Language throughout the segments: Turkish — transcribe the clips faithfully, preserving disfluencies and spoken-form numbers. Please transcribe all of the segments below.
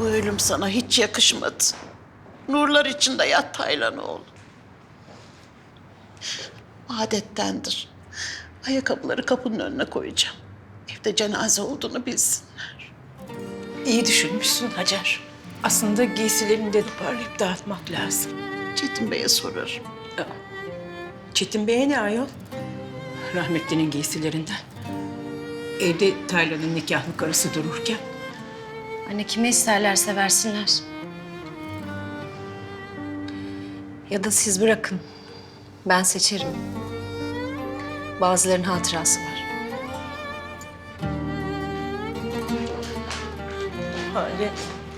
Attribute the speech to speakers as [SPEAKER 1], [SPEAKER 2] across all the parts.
[SPEAKER 1] Bu ölüm sana hiç yakışmadı. Nurlar içinde yat Taylan oğlum. Adettendir. Ayakkabıları kapının önüne koyacağım. Evde cenaze olduğunu bilsinler.
[SPEAKER 2] İyi düşünmüşsün Hacer. Aslında giysilerini de toparlayıp dağıtmak lazım.
[SPEAKER 1] Çetin Bey'e sorarım.
[SPEAKER 2] Çetin Bey'e ne ayol? Rahmetlinin giysilerinden. Evde Taylan'ın nikahlı karısı dururken.
[SPEAKER 3] Anne kime isterlerse versinler. Ya da siz bırakın. Ben seçerim. Bazılarının hatırası var.
[SPEAKER 2] Hale.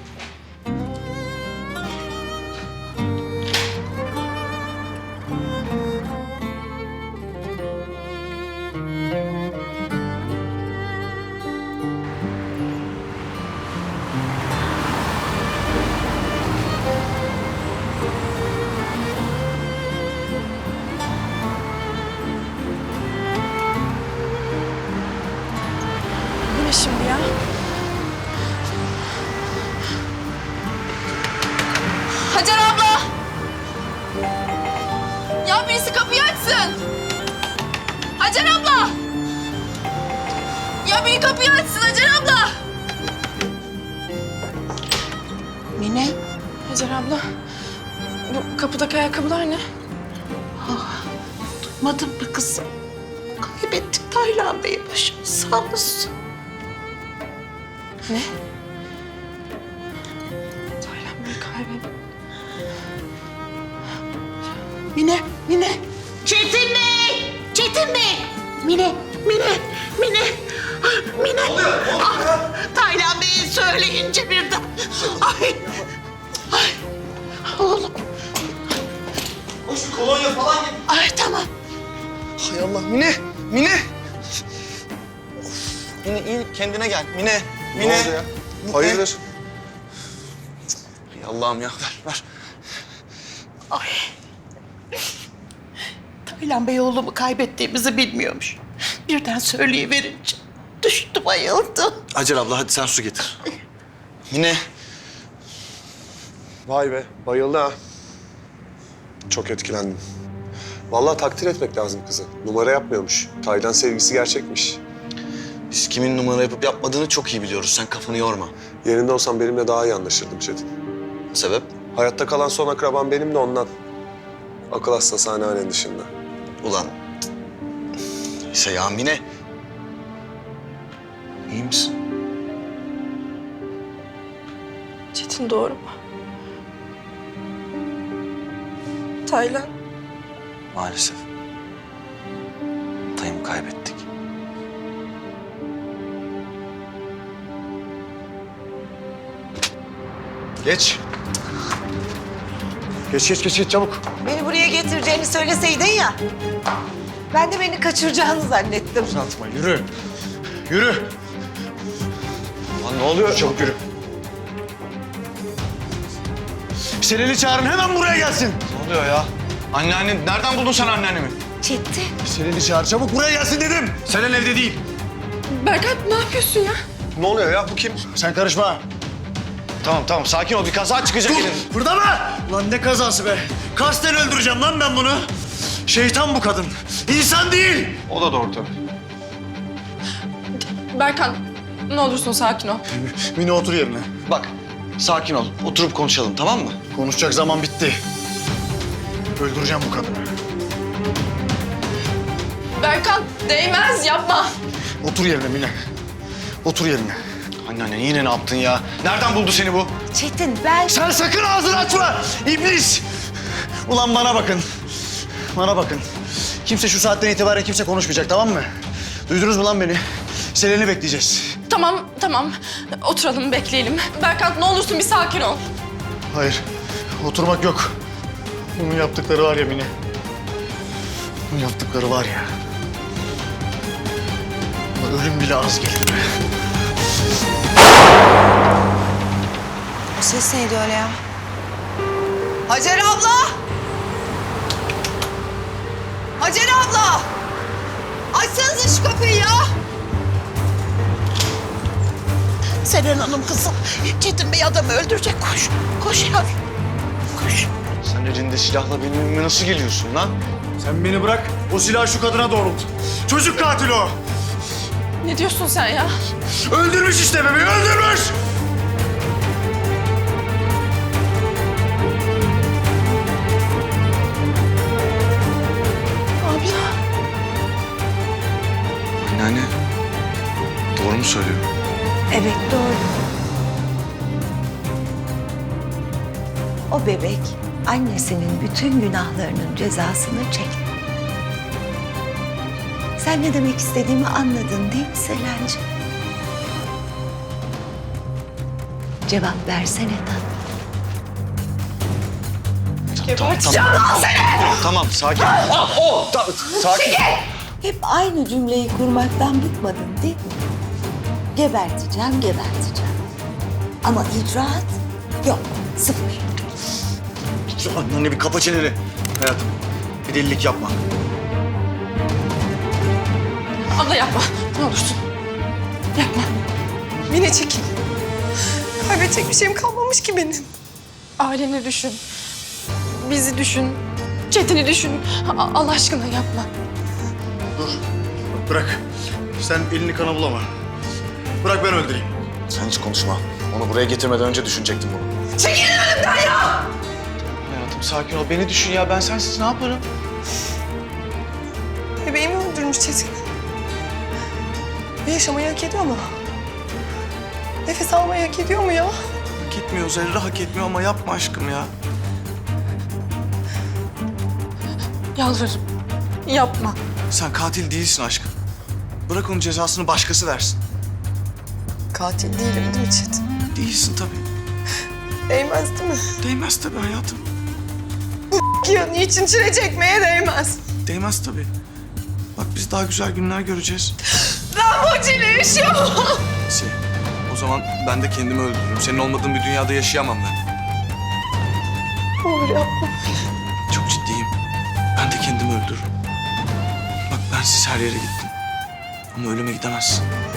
[SPEAKER 4] Bu ne şimdi ya? Hacer abla! Ya birisi kapıyı açsın! Hacer abla! Ya biri kapıyı açsın Hacer abla!
[SPEAKER 1] Mine,
[SPEAKER 4] Hacer abla, bu kapıdaki ayakkabılar ne?
[SPEAKER 1] duymadın mı kızım? Kaybettik Taylan Bey'i, başımız sağ olsun.
[SPEAKER 4] Ne? Taylan Bey'i kaybettim.
[SPEAKER 1] Mine, Mine. Çetin Bey! Çetin Bey! Mine, Mine, Mine. Ah, Mine. Ne oluyor? Ne oluyor? Ah, Taylan Bey'i söyleyince birden. Ay, ay. Oğlum.
[SPEAKER 5] Hoş bir kolonya falan gibi.
[SPEAKER 1] Ay tamam.
[SPEAKER 5] Hay Allah Mine, Mine. Mine iyi kendine gel. Mine, Mine.
[SPEAKER 6] Ne oldu ya?
[SPEAKER 5] Mine.
[SPEAKER 6] Hayırdır?
[SPEAKER 5] Hay Allah'ım ya ver ver.
[SPEAKER 1] Ay. Taylan Bey oğlumu kaybettiğimizi bilmiyormuş. Birden söyleyiverince düştü, bayıldı.
[SPEAKER 5] Hacer abla hadi sen su getir. Mine.
[SPEAKER 6] Vay be, bayıldı ha. Çok etkilendim. Vallahi takdir etmek lazım kızı. Numara yapmıyormuş. Taylan sevgisi gerçekmiş.
[SPEAKER 5] Biz kimin numara yapıp yapmadığını çok iyi biliyoruz. Sen kafanı yorma.
[SPEAKER 6] Yerinde olsam benimle daha iyi anlaşırdım Çetin.
[SPEAKER 5] Sebep?
[SPEAKER 6] Hayatta kalan son akraban benim de ondan. Akıl hastası anneannen dışında.
[SPEAKER 5] Ulan. Neyse ya Mine. İyi misin?
[SPEAKER 4] Çetin doğru mu? Taylan.
[SPEAKER 5] Maalesef. Dayımı kaybettik.
[SPEAKER 6] Geç. Geç, geç, geç, geç çabuk.
[SPEAKER 7] Beni buraya getireceğini söyleseydin ya. Ben de beni kaçıracağını zannettim.
[SPEAKER 6] Uzatma, yürü. Yürü.
[SPEAKER 5] Lan ne oluyor?
[SPEAKER 6] Çabuk yürü.
[SPEAKER 5] Selen'i çağırın hemen buraya gelsin. Ne oluyor ya? Anneannen, nereden buldun sen anneannemi?
[SPEAKER 7] Çetin.
[SPEAKER 6] Selen'i çağır, çabuk buraya gelsin dedim.
[SPEAKER 5] Selen evde değil.
[SPEAKER 4] Berkant ne yapıyorsun ya?
[SPEAKER 6] Ne oluyor ya, bu kim?
[SPEAKER 5] Sen karışma. Tamam tamam sakin ol bir kaza çıkacak elin.
[SPEAKER 8] Burada mı? Lan ne kazası be? Kasten öldüreceğim lan ben bunu. Şeytan bu kadın. İnsan değil.
[SPEAKER 5] O da doğru tabii.
[SPEAKER 4] Berkant ne olursun sakin ol.
[SPEAKER 8] Mine otur yerine.
[SPEAKER 5] Bak sakin ol oturup konuşalım tamam mı?
[SPEAKER 8] Konuşacak zaman bitti. Öldüreceğim bu kadını.
[SPEAKER 4] Berkant değmez yapma.
[SPEAKER 8] Otur yerine Mine. Otur yerine.
[SPEAKER 5] Anneanne yine ne yaptın ya? Nereden buldu seni bu?
[SPEAKER 7] Çetin ben...
[SPEAKER 8] Sen sakın ağzını açma! İblis! Ulan bana bakın. Bana bakın. Kimse şu saatten itibaren kimse konuşmayacak tamam mı? Duydunuz mu lan beni? Selen'i bekleyeceğiz.
[SPEAKER 4] Tamam tamam oturalım bekleyelim. Berkant ne olursun bir sakin ol.
[SPEAKER 8] Hayır. Oturmak yok. Bunun yaptıkları var ya Mine. Bunun yaptıkları var ya. Ölüm bile az gelir be.
[SPEAKER 7] O ses neydi öyle ya? Hacer abla! Hacer abla! Açsanıza şu kapıyı ya!
[SPEAKER 1] Seren Hanım kızım. Çetin Bey adamı öldürecek. Koş. Koş yavrum. Koş.
[SPEAKER 5] Sen elinde silahla benim evime nasıl geliyorsun lan?
[SPEAKER 8] Sen beni bırak, o silahı şu kadına doğrult. Çocuk katili o.
[SPEAKER 4] Ne diyorsun sen ya?
[SPEAKER 8] Öldürmüş işte bebeği, öldürmüş!
[SPEAKER 4] Abla.
[SPEAKER 5] Anneanne, doğru mu söylüyor?
[SPEAKER 7] Evet doğru. O bebek annesinin bütün günahlarının cezasını çekti. Sen ne demek istediğimi anladın değil mi Selenci? Cevap versene tatlım.
[SPEAKER 4] Geberteceğim lan seni!
[SPEAKER 5] Tamam, sakin. Oh, ta- sakin.
[SPEAKER 7] Hep aynı cümleyi kurmaktan bıkmadın değil mi? Geberteceğim, geberteceğim. Ama icraat yok, sıfır.
[SPEAKER 8] Anneanne bir kapa çeneni. Hayatım, bir delilik yapma.
[SPEAKER 4] Abla yapma. Ne olursun. Yapma. Mine çekil. Kaybedecek bir şeyim kalmamış ki benim. Aileni düşün. Bizi düşün. Çetin'i düşün. A- Allah aşkına yapma.
[SPEAKER 8] Dur, bırak. Sen elini kana bulama. Bırak ben öldüreyim.
[SPEAKER 5] Sen hiç konuşma. Onu buraya getirmeden önce düşünecektim bunu. Hayatım sakin ol. Beni düşün ya. Ben sensiz ne yaparım?
[SPEAKER 4] Bebeğimi öldürmüş Çetin. Ve yaşamayı hak ediyor mu? Nefes almayı hak ediyor mu ya?
[SPEAKER 5] Hak etmiyor Zerre, hak etmiyor ama yapma aşkım ya.
[SPEAKER 4] Yalvarırım. Yapma.
[SPEAKER 5] Sen katil değilsin aşkım. Bırak onun cezasını başkası versin.
[SPEAKER 4] Katil değilim değil mi Çetin?
[SPEAKER 5] Değilsin tabii.
[SPEAKER 4] Değmez değil mi?
[SPEAKER 5] Değmez tabii hayatım.
[SPEAKER 4] Ya niçin çile çekmeye değmez?
[SPEAKER 5] Değmez tabii. Bak biz daha güzel günler göreceğiz.
[SPEAKER 4] Ben bu çileyi yaşayamam.
[SPEAKER 5] Neyse, o zaman ben de kendimi öldürürüm. Senin olmadığın bir dünyada yaşayamam ben.
[SPEAKER 4] Ne olur yapma.
[SPEAKER 5] Çok ciddiyim. Ben de kendimi öldürürüm. Bak bensiz her yere gittim. Ama ölüme gidemezsin.